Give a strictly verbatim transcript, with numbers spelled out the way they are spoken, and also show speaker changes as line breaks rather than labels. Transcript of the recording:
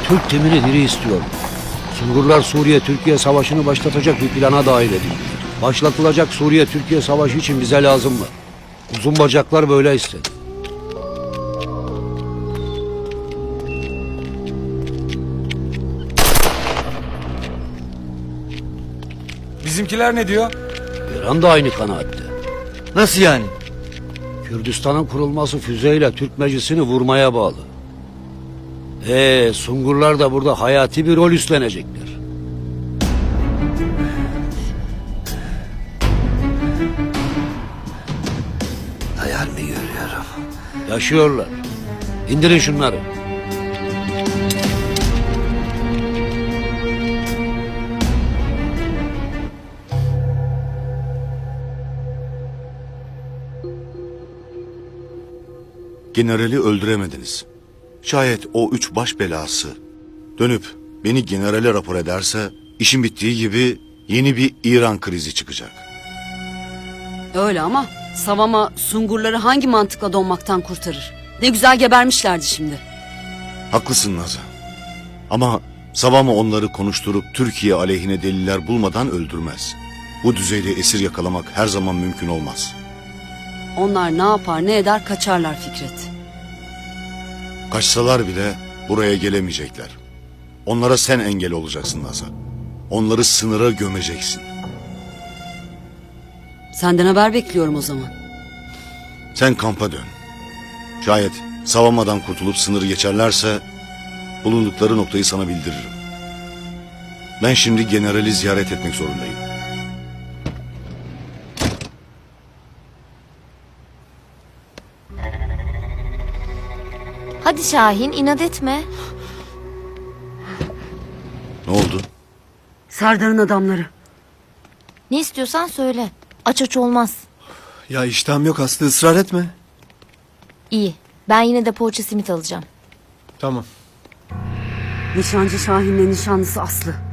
Türk timini diri istiyor. Sungurlar Suriye-Türkiye savaşını başlatacak bir plana dahil edildi. Başlatılacak Suriye-Türkiye savaşı için bize lazım mı? Uzun bacaklar böyle istedi.
Bizimkiler ne diyor?
İran da aynı kanaatte.
Nasıl yani?
Kürdistan'ın kurulması füzeyle Türk meclisini vurmaya bağlı. Ee, Sungurlar da burada hayati bir rol üstlenecekler.
Hayal mi görüyorum?
Yaşıyorlar. İndirin şunları.
Generali öldüremediniz. Şayet o üç baş belası dönüp beni generale rapor ederse işin bittiği gibi yeni bir İran krizi çıkacak.
Öyle ama Savama Sungurları hangi mantıkla donmaktan kurtarır? Ne güzel gebermişlerdi şimdi.
Haklısın Naza. Ama Savama onları konuşturup Türkiye aleyhine deliller bulmadan öldürmez. Bu düzeyde esir yakalamak her zaman mümkün olmaz.
Onlar ne yapar ne eder kaçarlar Fikret.
Kaçsalar bile buraya gelemeyecekler. Onlara sen engel olacaksın Naza. Onları sınıra gömeceksin.
Senden haber bekliyorum o zaman.
Sen kampa dön. Şayet Savama'dan kurtulup sınırı geçerlerse bulundukları noktayı sana bildiririm. Ben şimdi generali ziyaret etmek zorundayım.
Hadi Şahin, inat etme.
Ne oldu?
Serdar'ın adamları.
Ne istiyorsan söyle. Aç aç olmaz.
Ya iştahım yok Aslı, ısrar etme.
İyi. Ben yine de poğaça simit alacağım.
Tamam.
Nişancı Şahin'le nişanlısı Aslı.